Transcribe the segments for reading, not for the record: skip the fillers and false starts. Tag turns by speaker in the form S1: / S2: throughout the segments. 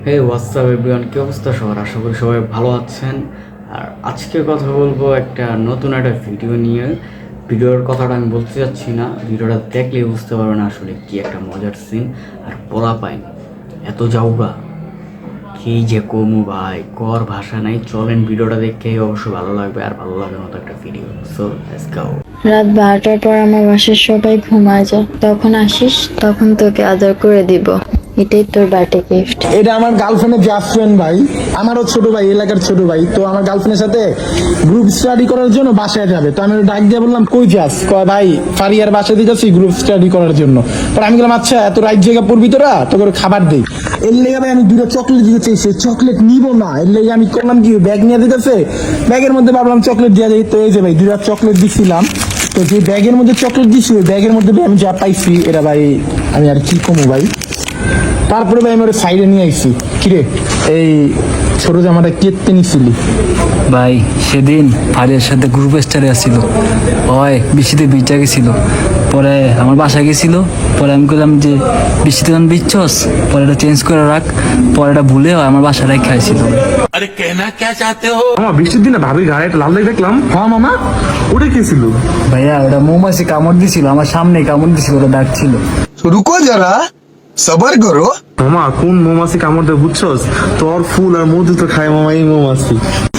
S1: হে WhatsApp everyone, কি অবস্থা সবার? আশা করি সবাই ভালো আছেন। আর আজকে কথা বলবো একটা নতুন একটা ভিডিও নিয়ে। ভিডিওর কথাটা আমি বলতে চাচ্ছি না, ভিডিওটা দেখলেই বুঝতে পারবেন আসলে কি একটা মজার সিন। আর বলা পাইনি এত যাওগা কি যে কমু ভাই, কর ভাষা নাই। চলেন ভিডিওটা দেখে অবশ্য ভালো লাগবে, আর ভালো লাগার মতো একটা ভিডিও। So let's go.
S2: রাত 12টার পর আমার বাসার সবাই ঘুমায় যায়, তখন আসিস, তখন তোকে আদর করে দিব। এটাই তোর বার্থডে গিফট।
S3: এটা আমার গার্লফ্রেন্ডের জাস্ট ফ্রেন্ড ভাই, আমারও ছোট ভাই, এলাকার ছোট ভাই। তো আমার গার্লফ্রেন্ডের সাথে গ্রুপ স্টাডি করার জন্য বাসায় যাবে। তো আমি ডাক দিয়ে বললাম কই যাস? কয় ভাই ফারিয়ার বাসায় দিয়ে যাচ্ছি গ্রুপ স্টাডি করার জন্য। পরে আমি বললাম আচ্ছা এত রাইট জায়গা পড়বি তোরা, তো করে খাবার দেই। এর লেগে ভাই আমি দুটো চকলেট দিতে চাইছি, চকলেট নিব না। এর লেগে আমি করলাম কি, ব্যাগ নিয়ে দিতেছে, ব্যাগের মধ্যে ভাবলাম চকলেট দেওয়া যায়। তো এই যে ভাই দুটো চকলেট দিছিলাম। তো যে ব্যাগের মধ্যে চকলেট দিছি, ওই ব্যাগের মধ্যে আমি যা পাইছি এরা ভাই আমি আর কি কমু ভাই। তারপরে ভাই আমি ওর সাইডে নিয়ে আইছি, কিরে এই ছোট জামাটা কেটে নিছিলি?
S4: ভাই সেদিন ফারিয়ার সাথে গ্রুপ স্টারে আসছিল, হয় বৃষ্টিতে ভিজা গেছিল। পরে আমার বাসায় গেছিল, পরে আমি বললাম যে বৃষ্টিতে যখন ভিজছস, পরে এটা চেঞ্জ করে রাখ। পরে এটা ভুলে আমার বাসায় রেখে খাইছিল।
S5: अरे कहना क्या चाहते हो?
S6: মামা বৃষ্টির দিনে ভাবির গায়ে একটা লাল দাগ দেখলাম।
S3: হ্যাঁ মামা,
S6: ওটা কে ছিল?
S4: ভাইয়া ওটা মৌমাছি কামড় দিছিল, আমার সামনে কামড় দিছিল, ওটা দাগ ছিল।
S7: रुको जरा सबर करो।
S6: মামা কোন মৌমাছি কামড় দেয় বুঝছস? তোর ফুল আর মধু তো খায় মামা এই মৌমাছি।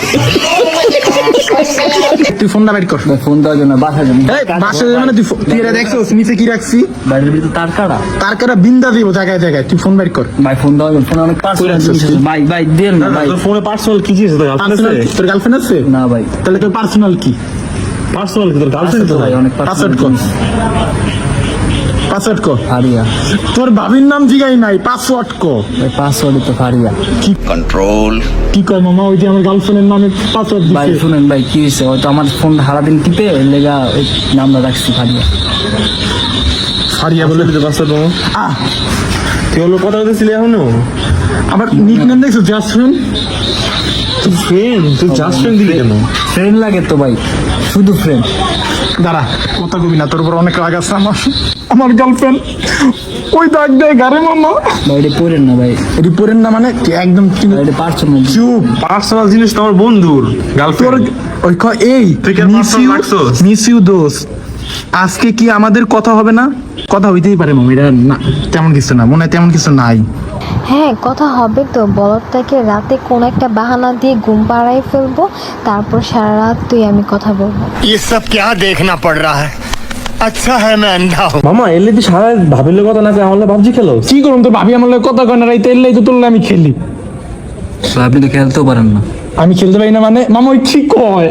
S3: তুই ফোনটা বের কর।
S4: ভাই ফোন দেওয়ার জন্য বাসায় জন্য
S3: এই বাসায় যাবে না, তুই এটা দেখছস নিচে কি রাখছি?
S4: বাড়ির ভিতরে তার কাটা।
S3: তার কাটা বিন্দা দিব জায়গায় জায়গায়, তুই ফোন বের কর।
S4: ভাই ফোন দেওয়ার জন্য, ফোন অনেক পার্সোনাল জিনিস আছে। ভাই ভাই দেন না ভাই।
S6: তোর ফোনে পার্সোনাল কি জিনিস? তোর গার্লফ্রেন্ড
S3: Personal
S6: আছে?
S3: কি? তোর গার্লফ্রেন্ড আছে?
S4: না ভাই,
S3: তাহলে তোর পার্সোনাল কি?
S6: পার্সোনাল কি তোর গার্লফ্রেন্ড?
S4: আছে তো ভাই, অনেক
S3: পাসওয়ার্ড কর, পাসওয়ার্ড কর।
S4: ফারিয়া
S3: তোর ভাবির নাম জিগাই নাই, পাসওয়ার্ড কর।
S4: ভাই, পাসওয়ার্ডই তো ফারিয়া।
S7: कंट्रोल
S3: কি কয় মামা, ওই যে আমার গার্লফ্রেন্ডের নামে পাসওয়ার্ড
S4: ভাই
S3: দিছে।
S4: শুনেন ভাই, কি হয়েছে? হয়তো আমার ফোন সারাদিন টিপে এর লেগা ওই নামটা রাখছি ফারিয়া।
S3: হারিয়া বলে
S6: দিতে পারছো তো?
S3: আহ,
S6: তুই হলো কথা বলতেছিলি এখনো?
S3: আবার নিকনেম দেখছো জাস্ট ফ্রেন্ড।
S6: তুই ফ্রেন্ড, তুই জাস্ট ফ্রেন্ড দিলি কেন?
S4: ফ্রেন্ড লাগে তো ভাই, শুধু ফ্রেন্ড।
S3: দাঁড়া, কথা কবি না, তোর উপর অনেক রাগ আছে আমার। আমার গার্লফ্রেন্ড ওই দাগ দেয় গারে মামা।
S4: ভাই এটা পড়েন না ভাই,
S3: রিপোর্টের না মানে কি একদম
S4: ভাই এটা পার্সোনাল।
S3: চুপ।
S6: পার্সোনাল জিনিস তো আমার বন্ধুর
S3: তোর
S6: গার্লফ্রেন্ড।
S3: ওই এই
S6: তুই কেন personal রাখছস?
S3: মিস ইউ দোস্ত, আজকে কি আমাদের কথা হবে না? কথা হইতেই পারে মামা, এটা না তেমন কিছু না, মনে হয় তেমন কিছু নাই।
S2: হ্যাঁ, কথা হবে তো। বলদটাকে রাতে কোন একটা বাহানা দিয়ে ঘুম পাড়াই ফেলবো, তারপর সারা রাত তুই আমি কথা বলবো।
S7: ये सब क्या देखना पड़ रहा है? अच्छा है मैं अंधा हूँ।
S6: মামা এলে তুই সারা ভাবিলে কথা না কই আমার ভাবজি খেলো।
S3: কি করুন, তোর ভাবি আমার লগে কথা কয় না, রাইতে এলেই তো তোর লগে আমি খেলি।
S4: ভাই আপনি তো খেলতেও পারেন না।
S3: আমি খেলতে পারি না মানে মামা ওই ঠিক কয়।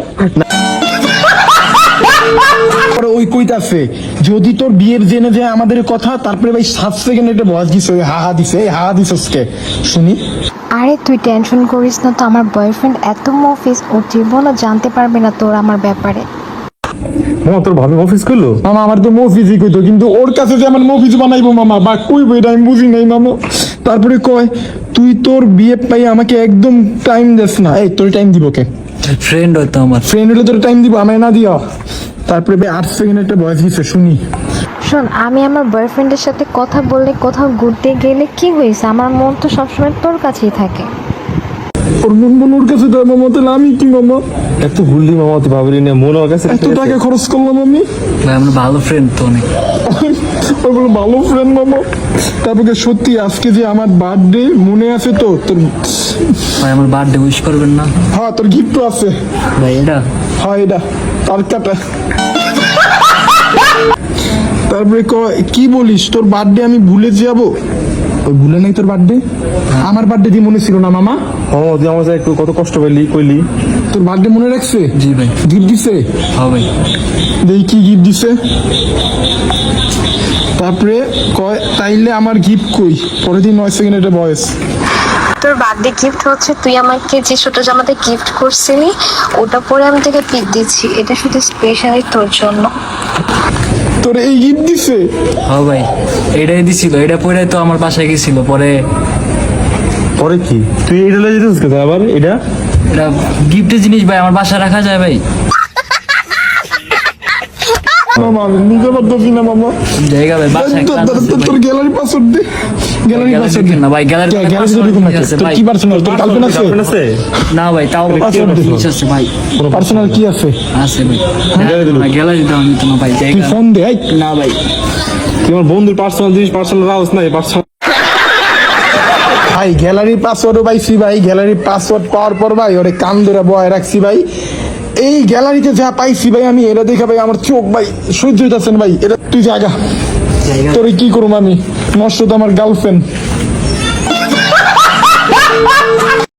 S3: পরে ওই কইতাছে যদি তোর বিয়ের জেনে যায় আমাদের কথা, তারপরে ভাই 7 সেকেন্ড একটা ভয়েস দিছে, ওই হাহা দিছে, এই হাহা দিছসকে শুনি।
S2: আরে তুই টেনশন করিস না তো, আমার বয়ফ্রেন্ড এত মফিস, ও জীবনও জানতে পারবে না তোর আমার ব্যাপারে।
S6: মামা তোর ভাবি অফিস করলো?
S3: মামা আমার তো মফিজই কইতো, কিন্তু ওর কাছে যে আমার মফিজ বানাইবো মামা বা কইবো এটা আমি বুঝি নাই মামা। তারপরে কয় তুই তোর বিয়ে পাই আমাকে একদম টাইম দেস না। এই তোর টাইম দিব কে?
S4: ফ্রেন্ড হয়তো আমার।
S3: ফ্রেন্ড হলে তোর টাইম দিব, আমায় না দিও। তারপরে ভাই 8 সেকেন্ড একটা ভয়েস দিছে শুনি।
S2: শোন, আমি আমার বয়ফ্রেন্ডের সাথে কথা বললে, কোথাও ঘুরতে গেলে কি হয়েছে, আমার মন তো সবসময় তোর কাছেই থাকে।
S3: ওর মন মন ওর কাছে দেয় মামা, তাহলে আমি কি মামা?
S6: এত ভুললি মামা তুই ভাবিলি না, মনে ওর কাছে
S3: এত টাকা খরচ করলাম আমি।
S4: ভাই আমরা ভালো ফ্রেন্ড তো অনেক।
S3: ওই বলে ভালো ফ্রেন্ড মামা। তারপরে সত্যি আজকে যে আমার বার্থডে মনে আছে তো তোর?
S4: ভাই আমার বার্থডে উইশ করবেন না?
S3: হ্যাঁ তোর গিফট আছে।
S4: ভাই এটা
S3: হ্যাঁ এটা তার কাটা। তারপরে কি বলিস, তোর বার্থডে আমি ভুলে যাব? ওই ভুলে নাই তোর বার্থডে? আমার বার্থডে দিয়ে মনে ছিল না মামা?
S6: ও তুই আমার সাথে একটু কত কষ্ট পেলি কইলি।
S3: তোর বার্থডে মনে রাখছে?
S4: জি ভাই।
S3: গিফট দিছে?
S4: হ্যাঁ ভাই।
S3: দেখি কি গিফট দিছে। তারপরে কয় তাইলে আমার গিফট কই? পরের দিন 9 সেকেন্ড একটা বয়স।
S2: তোর বার্থডে গিফট হচ্ছে তুই আমাকে যে ছোট জামাতে গিফট করছিলি, ওটা পরে আমি তোকে পিক দিচ্ছি, এটা শুধু স্পেশালি তোর জন্য।
S3: তোর এই গিফট দিছে?
S4: হ্যাঁ ভাই, এটাই দিছিল, এটা পরে তো আমার বাসায় গেছিল। পরে
S6: পরে কি তুই এটা লয়ে যেতেছিস কোথায় আবার? এটা
S4: এটা গিফটের জিনিস ভাই, আমার বাসায় রাখা যায় ভাই।
S3: মামা আমি নিতে পারতেছি না মামা।
S4: জায়গা ভাই বাসায় কাজ আছে ভাই।
S3: তোর গ্যালারি পাসওয়ার্ড দে, গ্যালারি পাসওয়ার্ড দে
S4: না ভাই গ্যালারি
S3: গ্যালারি দেখুন না তোর কি পার্সোনাল, তোর গার্লফ্রেন্ড আছে?
S6: গার্লফ্রেন্ড আছে?
S4: না ভাই তাও
S3: Password দে।
S4: আছে ভাই
S3: পার্সোনাল কি আছে?
S4: আছে ভাই গ্যালারি দাও নিতে না ভাই
S3: তুই
S4: জায়গা
S3: ফোন দে এই।
S4: না ভাই
S6: তুই আমার বন্ধুর পার্সোনাল জিনিস পার্সোনাল রাউস নাই পার্সোনাল।
S3: ভাই গ্যালারির পাসওয়ার্ডও পাইছি ভাই, গ্যালারির পাসওয়ার্ড পাওয়ার পর ভাই ওরে কান ধরে বয় রাখছি ভাই। এই গ্যালারিতে যা পাইছি ভাই আমি, এটা দেখে ভাই আমার চোখ ভাই সহ্য হইতাছেন ভাই। এটা তুই জায়গা তোরে কি করবো আমি, নষ্ট তো আমার গার্লফ্রেন্ড।